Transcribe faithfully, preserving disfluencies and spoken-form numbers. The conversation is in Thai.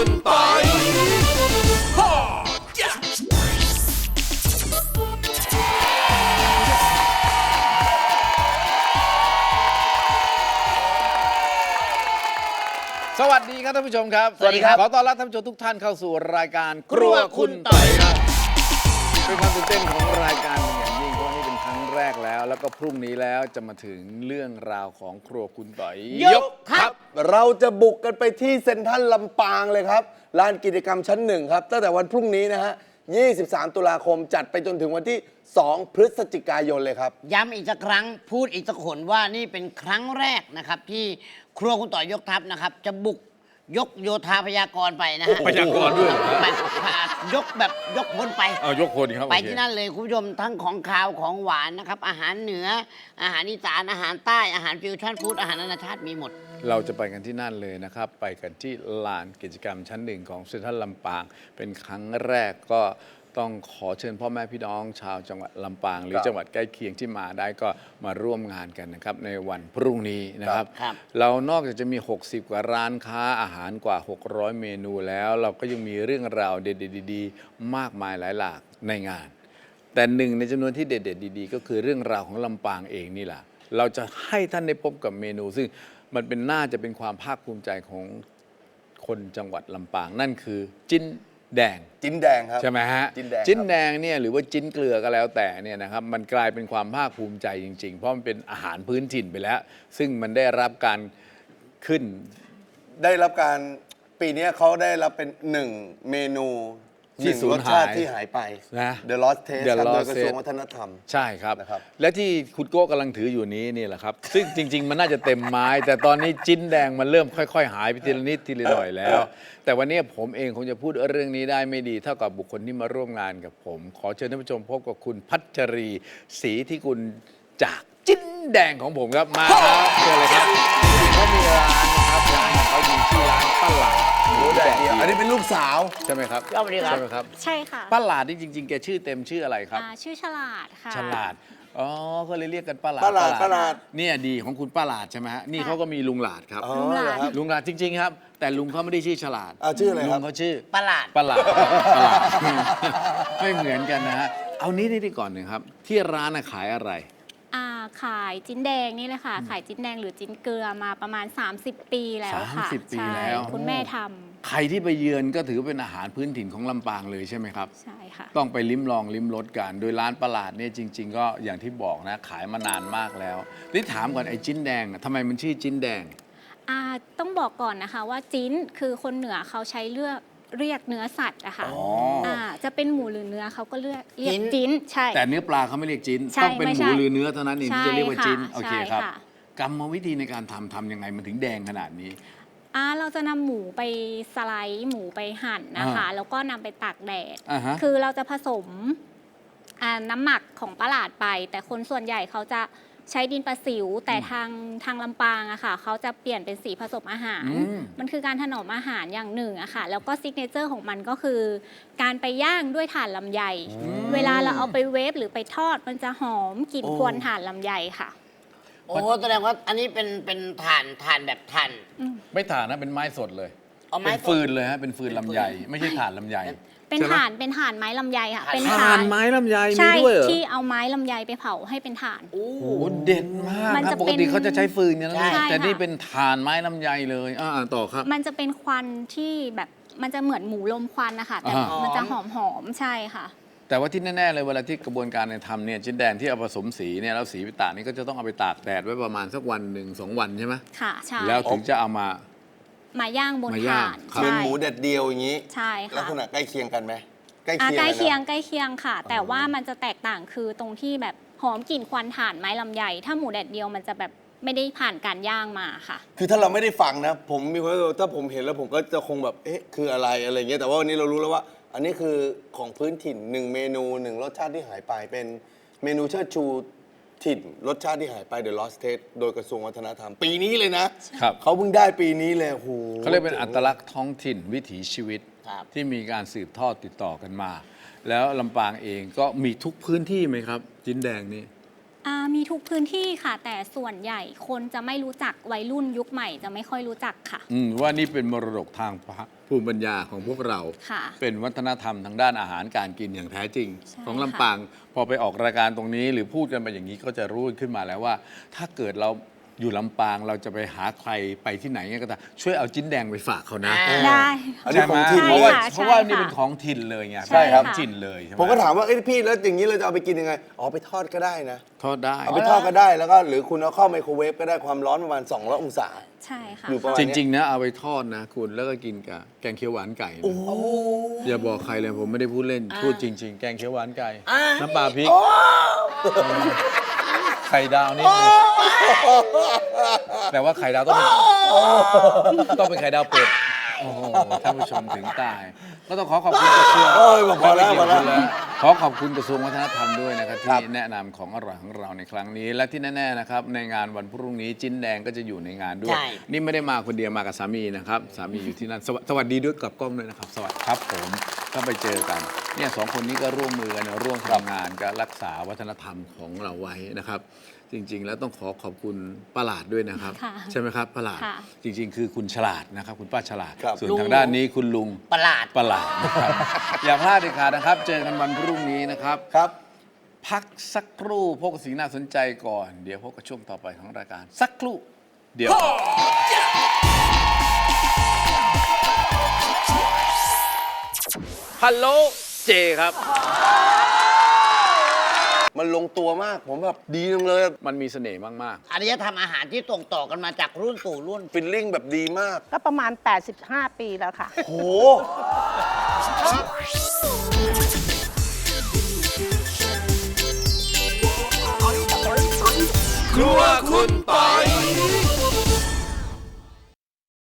คุณปอยสวัสดีครับท่านผู้ชมครับสวัสดีครับขอต้อนรับท่านผู้ชมทุกท่านเข้าสู่รายการครัวคุณต่อยครับเป็นความตื่นเต้นของรายการเป็นอย่างยิ่งเพราะนี่เป็นครั้งแรกแล้ว แล้วก็พรุ่งนี้แล้วจะมาถึงเรื่องราวของครัวคุณต่อยยกครับเราจะบุกกันไปที่เซ็นทรัลลำปางเลยครับลานกิจกรรมชั้นหนึ่งครับตั้งแต่วันพรุ่งนี้นะฮะยี่สิบสามตุลาคมจัดไปจนถึงวันที่สองพฤศจิกายนเลยครับย้ำอีกสักครั้งพูดอีกสักคนว่านี่เป็นครั้งแรกนะครับที่ครัวคุณต่อยยกทัพนะครับจะบุกยกโยธาพยากรณ์ไปนะฮะพยากรณ์ด้วยเหรอไปยกแบบยกพลไปเอายกคนครับไปโอเคที่นั่นเลยคุณผู้ชมทั้งของคาวของหวานนะครับอาหารเหนืออาหารอีสานอาหารใต้อาหารฟิวชั่นฟู้ดอาหารนานาชาติมีหมดเราจะไปกันที่นั่นเลยนะครับ ไปกันที่ลานกิจกรรมชั้นหนึ่งของเซ็นทรัลลำปาง เป็นครั้งแรกก็ต้องขอเชิญพ่อแม่พี่น้องชาวจังหวัดลำปาง หรือจังหวัดใกล้เคียงที่มาได้ก็มาร่วมงานกันนะครับในวันพรุ่งนี้นะครับครับเรานอกจากจะมี หกสิบ กว่าร้านค้าอาหารกว่า หกร้อย เมนูแล้ว เราก็ยังมีเรื่องราวเด็ดๆดีๆมากมายหลายหลากในงาน แต่หนึ่งในจำนวนที่เด็ดๆดีๆก็คือเรื่องราวของลำปางเองนี่แหละเราจะให้ท่านได้พบกับเมนู ซึ่งมันเป็นน่าจะเป็นความภาคภูมิใจของคนจังหวัดลำปาง นั่นคือจิ้นแดงจิ้นแดงครับใช่ไหมฮะจิ้นแดงจิ้นแดงเนี่ยหรือว่าจิ้นเกลือก็แล้วแต่เนี่ยนะครับมันกลายเป็นความภาคภูมิใจจริงๆ เพราะมันเป็นอาหารพื้นถิ่นไปแล้ว ซึ่งมันได้รับการขึ้นได้รับการปีนี้เขาได้รับเป็นหนึ่งเมนูหที่นึ่งสูรญสหายชาติที่หายไปนะ The Lost Taste The ครับโดย Lost กระทรวง Taste วัฒนธรรมใช่ครับนะครับและที่คุณโก้กำลังถืออยู่นี้นี่แหละครับ ซึ่งจริง ๆ มันน่าจะเต็มไม้ แต่ตอนนี้จิ้นแดงมันเริ่มค่อย ๆ หายไปทีละนิดทีละหน่อยแล้ว แต่วันนี้ผมเองคงจะพูดเรื่องนี้ได้ไม่ดีเท่ากับบุคคลที่มาร่วมงานกับผม ขอเชิญท่านผู้ชมพบกับคุณพัชรีศรีที่คุณจากจิ้นแดงของผมครับมาครับเชิญเลยครับเขามีร้านนะครับร้านของเขาอยู่ที่ร้านป้าหลาดหมูแดดเดียวอันนี้เป็นลูกสาวใช่ไหมครับสวัสดีครับใช่ไหมครับใช่ค่ะป้าหลาดนี่จริง ๆ แกชื่อเต็มชื่ออะไรครับอ่าชื่อฉลาดค่ะฉลาด อ๋อก็เลยเรียกกันป้าหลาดป้าหลาดป้าหลาดเนี่ยดีของคุณป้าหลาดใช่ไหมฮะ นี่เขาก็มีลุงหลาดครับอ๋อลุงหลาดเหรอครับลุงหลาดจริง ๆ ครับ แต่ลุงเขาไม่ได้ชื่อฉลาดอ่าชื่ออะไรครับลุงเขาชื่อประหลาดป้าหลาดป้าหลาด ไม่เหมือนกันนะฮะ เอานี้นี่ก่อนหนึ่งครับ ที่ร้านน่ะขายอะไรอ่าขายจิ้นแดงนี่เลยค่ะ ขายจิ้นแดงหรือจิ้นเกลือมาประมาณ สามสิบ ปีแล้วค่ะสามสิบปีใช่แล้วคุณแม่ทใครที่ไปเยือนก็ถือเป็นอาหารพื้นถิ่นของลำปางเลยใช่ไหมครับำใช่ค่ะต้องไปลิ้มลองลิ้มรสกัน โดยร้านประหลาดเนี่ยจริง ๆ ก็อย่างที่บอกนะ ขายมานานมากแล้วนี่ถามก่อนไอ้จิ้นแดงน่ะทำไมมันชื่อจิ้นแดงอ่าต้องบอกก่อนนะคะว่าจิ้นคือคนเหนือเขาใช้เลือกเรียกเนื้อสัตว์อะค่ะอ๋ออ่าจะเป็นหมูหรือเนื้อเขาก็เรียกเรียกจิ้นจิ้นใช่แต่เนื้อปลาเขาไม่เรียกจิ้นใช่ต้องเป็นไม่หใช่มูหรือเนื้อเท่านั้นเองที่จะเรียกว่าจิ้นใช่ค่ะโอเคครับใช่ค่ะกรรมวิธีในการทำทำยังไงมันถึงแดงขนาดนี้อ่าเราจะนำหมูไปสไลด์หมูไปหั่นนะคะอ่าแล้วก็นำไปตากแดดอ่าฮะคือเราจะผสมอ่าน้ำหมักของปลาหลาดไป แต่คนส่วนใหญ่เขาจะใช้ดินประสิว แต่ทางทางลำปางอะค่ะเขาจะเปลี่ยนเป็นสีผสมอาหารอืมมันคือการถนอมอาหารอย่างหนึ่งอะค่ะ แล้วก็ซิกเนเจอร์ของมันก็คือ การไปย่างด้วยถ่านลำไย เวลาเราเอาไปเวฟหรือไปทอดมันจะหอมกลิ่นโอ้ควนถ่านลำไยค่ะโอ้แสดงว่าอันนี้เป็นเป็นถ่านถ่านแบบถ่านไม่ถ่านนะเป็นไม้สดเลยเอาไม้เป็นสดฟืนเลยฮะเป็นฟืนลำไยไม่ใช่ถ่านลำไยเป็นใช่ไหมถ่านเป็นถ่านไม้ลำไยค่ะเป็นถ่านไม้ลำไยมีใช่ด้วยเหรอที่เอาไม้ลำไยไปเผาให้เป็นถ่านโอ้โอ้โหเด็ดมากมันครับจะปกติเป็นเขาจะใช้ฟืนกันนะใช่แต่นี่ค่ะเป็นถ่านไม้ลำไยเลยอ่าต่อครับมันจะเป็นควันที่แบบมันจะเหมือนหมูลมควันนะคะแต่อ่าฮะมันจะหอมหอมๆใช่ค่ะแต่ว่าที่แน่ๆเลยเวลาที่กระบวนการในทำเนี่ยจิ้นแดงที่เอาผสมสีเนี่ยแล้วสีไปตากนี่ก็จะต้องเอาไปตากแดดไว้ประมาณสักวันหนึ่งสองวันใช่ไหมค่ะใช่แล้วถึงจะเอามามาย่างบนมาย่าถ่าง นครับเป็นใช่หมูแดดเดียวอย่างนี้ใช่ลักค่ะษณะใกล้เคียงกันไหมใกล้อ่ะเคียงใกล้เคียงนะใกล้เคียงค่ะ แต่ว่ามันจะแตกต่างคือตรงที่แบบหอมกลิ่นควันถ่านไม้ลำไยถ้าหมูแดดเดียวมันจะแบบไม่ได้ผ่านการย่างมาค่ะคือถ้าเราไม่ได้ฟังนะ ผมมีความรู้สึกว่าถ้าผมเห็นแล้วผมก็จะคงแบบเอ๊ะคืออะไรอะไรเงี้ยแต่ว่าวันนี้เรารู้แล้วว่า อันนี้คือของพื้นถิ่นหนึ่งเมนูหนึ่งรสชาติที่หายไปเป็นเมนูเชิดชูถิ่นรสชาติที่หายไป The Lost Taste โดยกระทรวงวัฒนธรรม ปีนี้เลยนะครับ เขาเพิ่งได้ปีนี้เลยโอ้โหเขาเรียกเป็นอัตลักษณ์ท้องถิ่นวิถีชีวิตครับที่มีการสืบทอดติดต่อกันมา แล้วลำปางเองก็มีทุกพื้นที่ไหมครับ จิ้นแดงนี่อ่ามีทุกพื้นที่ค่ะ แต่ส่วนใหญ่คนจะไม่รู้จักวัยรุ่นยุคใหม่จะไม่ค่อยรู้จักค่ะอืมว่านี่เป็นมรดกทางภูมิปัญญาของพวกเราค่ะเป็นวัฒนธรรมทางด้านอาหารการกินอย่างแท้จริงใช่ของลำปางพอไปออกรายการตรงนี้หรือพูดกันไปอย่างนี้ก็จะรู้ขึ้นมาแล้วว่า ถ้าเกิดเราอยู่ลำปางเราจะไปหาใครไปที่ไหนเนี่ยก็ตามช่วยเอาจิ้นแดงไปฝากเขานะอ่าได้อันนี้ใช่ไหมของถิ่นเพราะว่าใช่ค่ะเพราะว่าใช่นี่ค่ะเป็นของถิ่นเลยไงใช่ครับของถิ่นเลยใช่ไหมผมก็ถามว่าเอ้ยพี่แล้วอย่างนี้เราจะเอาไปกินยังไงอ๋อไปทอดก็ได้นะทอดได้เอาไปทอดก็ได้แล้วก็หรือคุณเอาเข้าไมโครเวฟก็ได้ความร้อนประมาณสองร้อยองศาใช่ค่ะอยู่ประมาณจริงๆนะเอาไปทอดนะคุณแล้วก็กินกับแกงเขียวหวานไก่นะอย่าบอกใครเลยผมไม่ได้พูดเล่นพูดจริง ๆ แกงเขียวหวานไก่น้ำปลาพริกไข่ดาวนี่แต่ว่าไข่ดาวต้องเป็นต้องเป็นไข่ดาวเป็ดโอ้โหท่านผู้ชมถึงตาย ก็ต้องขอขอบคุณกระทรวงโอ้ยพอแล้วพอแล้วขอขอบคุณกระทรวงวัฒนธรรมด้วยนะครับที่แนะนำของอร่อยของเราในครั้งนี้ และที่แน่ๆนะครับในงานวันพรุ่งนี้จิ้นแดงก็จะอยู่ในงานด้วยใช่นี่ไม่ได้มาคนเดียวมากับสามีนะครับ สามีอยู่ที่นั่นสวสวัสดีด้วยกับกล้องด้วยนะครับ สวัสดีครับผมก็ไปเจอกันเนี่ยสองคนนี้ก็ร่วมมือกันร่วมทำงานการรักษาวัฒนธรรมของเราไว้นะครับ จริง ๆ แล้วต้องขอขอบคุณป้าหลาดด้วยนะครับค่ะใช่ไหมครับป้าหลาดค่ะจริง ๆ คือคุณฉลาดนะครับคุณป้าฉลาดครับส่วนลุงทางด้านนี้คุณลุงประหลาดประหลาดนะครับ อย่าพลาดเด็ดขาดนะครับ เจอกันวันพรุ่งนี้นะครับครับพักสักครู่พบกับสิ่งน่าสนใจก่อน เดี๋ยวพบกับช่วงต่อไปของรายการ สักครู่ เดี๋ยว ฮัลโหลเจครับมันลงตัวมากผมแบบดีจังเลยมันมีเสน่ห์มากอารยธรรมอาหารที่ส่งต่อกันมาจากรุ่นสู่รุ่นฟิลลิ่งแบบดีมากก็ประมาณ แปดสิบห้า ปีแล้วค่ะโหๆ ครัวคุณปอย